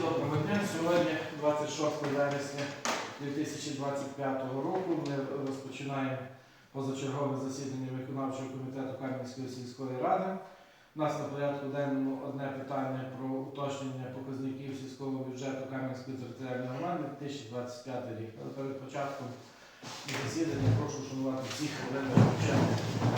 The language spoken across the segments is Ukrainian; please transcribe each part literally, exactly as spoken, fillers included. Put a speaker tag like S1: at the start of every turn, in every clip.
S1: доброго дня. Сьогодні, двадцять шостого вересня дві тисячі двадцять п'ятого року, ми розпочинаємо позачергове засідання виконавчого комітету Кам'янської сільської ради. У нас на порядку денному одне питання про уточнення показників сільського бюджету Кам'янської територіальної громади дві тисячі двадцять п'ятий рік. Але перед початком засідання прошу шанувати всіх хвилин бюджету.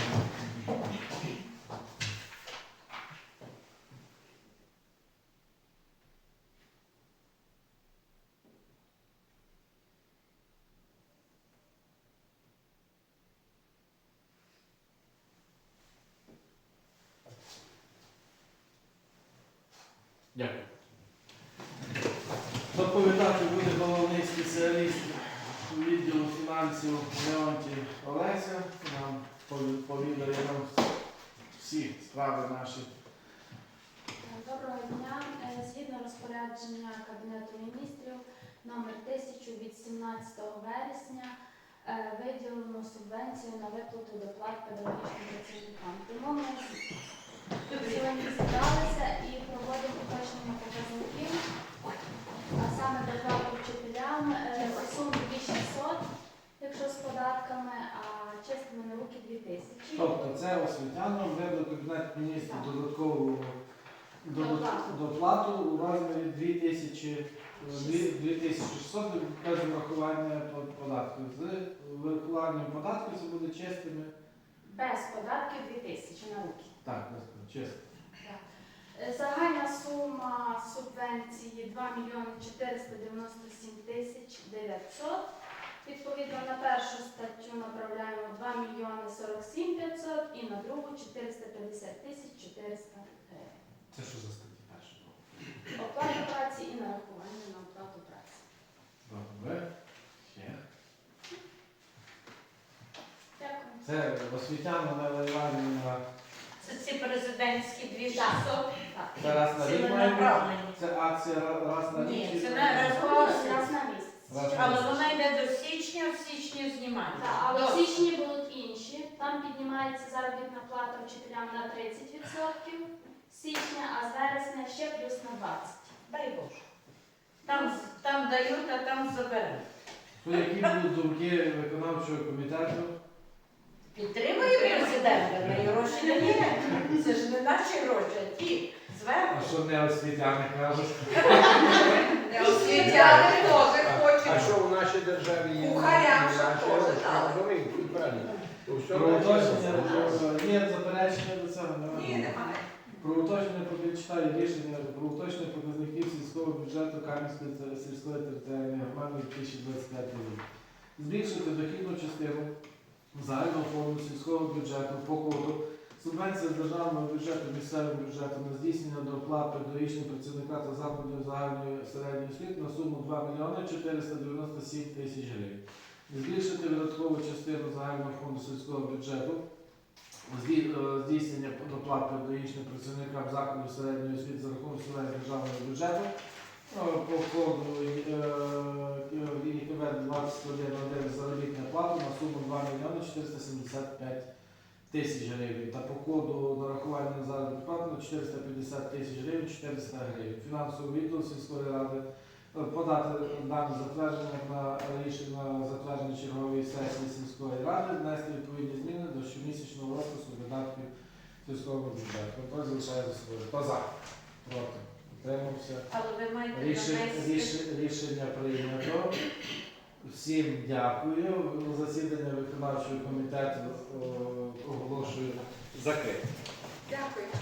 S1: Дякую. Доповідати буде головний спеціаліст відділу фінансів Леонтій Олеся. Нам повідає нам всі справи наші.
S2: Доброго дня. Згідно розпорядження Кабінету міністрів номер тисяча від сімнадцятого вересня виділено субвенцію на виплату доплат педагогічним працівникам. Тому ми сьогодні зібралися і проводимо уточнення показників, а саме доплату вчителям суму дві тисячі шістсот, якщо з податками, а чистими на руки дві тисячі.
S1: Тобто це освітянам видав Кабінет міністрів додаткову доплату у розмірі дві тисячі шістсот без врахування податків. З врахуванням податків це буде чистими.
S2: Без податків дві тисячі на руки.
S1: Так, чисто.
S2: Загальна сума субвенції два мільйони чотириста дев'яносто сім тисяч дев'ятсот. Відповідно, на першу статтю направляємо два мільйони сорок сім п'ятсот і на другу чотириста п'ятдесят тисяч чотириста гривень.
S1: Це що за статті перша?
S2: Оплата праці і нарахування на оплату праці.
S1: Добре. Ще.
S2: Дякую.
S1: Це освітяна Іванівна.
S3: Це ці президентські дві тисячі шістсот.
S1: Це раз на рік має бути? Це акція раз на рік?
S3: Ні, це
S1: чи-
S3: не раз
S2: Раз на місяць.
S1: Раз на
S3: Але
S1: місяць.
S3: вона йде до січня, в січні знімається.
S2: Так, але в
S3: До-
S2: січні будуть інші. Там піднімається заробітна плата вчителям на тридцять відсотків з січня, а з вересня ще плюс на двадцять відсотків.
S3: Дай Боже. Там, там дають, а там заберуть.
S1: То які будуть думки виконавчого комітету?
S3: Підтримує президента, на гроші не є. Це ж не наші гроші, а ті зверху.
S1: А що не освітяни кажуть?
S3: Не освітяни теж
S4: А
S3: хочуть.
S4: що в нашій державі є?
S3: Кухарям,
S4: Наші
S3: щоб
S4: гроші,
S3: теж дали.
S4: розумієте, тут правильно. То все
S1: Про
S4: наші
S1: уточнення
S4: гроші.
S1: є заперечення до цього?
S3: Ні, немає.
S1: Про уточнення прочитаю рішення про уточнення показників сільського бюджету Кам'янської та- сільської територіальної громади дві тисячі двадцять п'ятий рік. Збільшити дохідну частину загального фонду сільського бюджету по коду субвенція з державного бюджету місцевим бюджетом на здійснення доплат педагогічним працівника та закладів загальної середньої освіти на суму два мільйони чотириста дев'яносто сім тисяч гривень. Збільшити видаткову частину загального фонду сільського бюджету здійснення доплат педагогічним працівникам закладів середньої освіти за рахунок субвенції державного бюджету по коду І К В двадцять один один заробітна плата на суму два мільйони чотириста сімдесят п'ять тисяч гривень та по коду нарахування на заробітну плату на чотириста п'ятдесят тисяч гривень чотириста гривень. Фінансовий відділ сільської ради подати дане затвердження на рішення на затвердження чергової сесії сільської ради, внести відповідні зміни до щомісячного розпису видатків сільського бюджету. Хто залишає за собою? Хто за? Проти? Утримався?
S3: Але ви маєте
S1: Рішення,
S3: навести.
S1: рішення, рішення прийнято. Всім дякую. Засідання виконавчого комітету о, оголошую закрите.
S3: Дякую.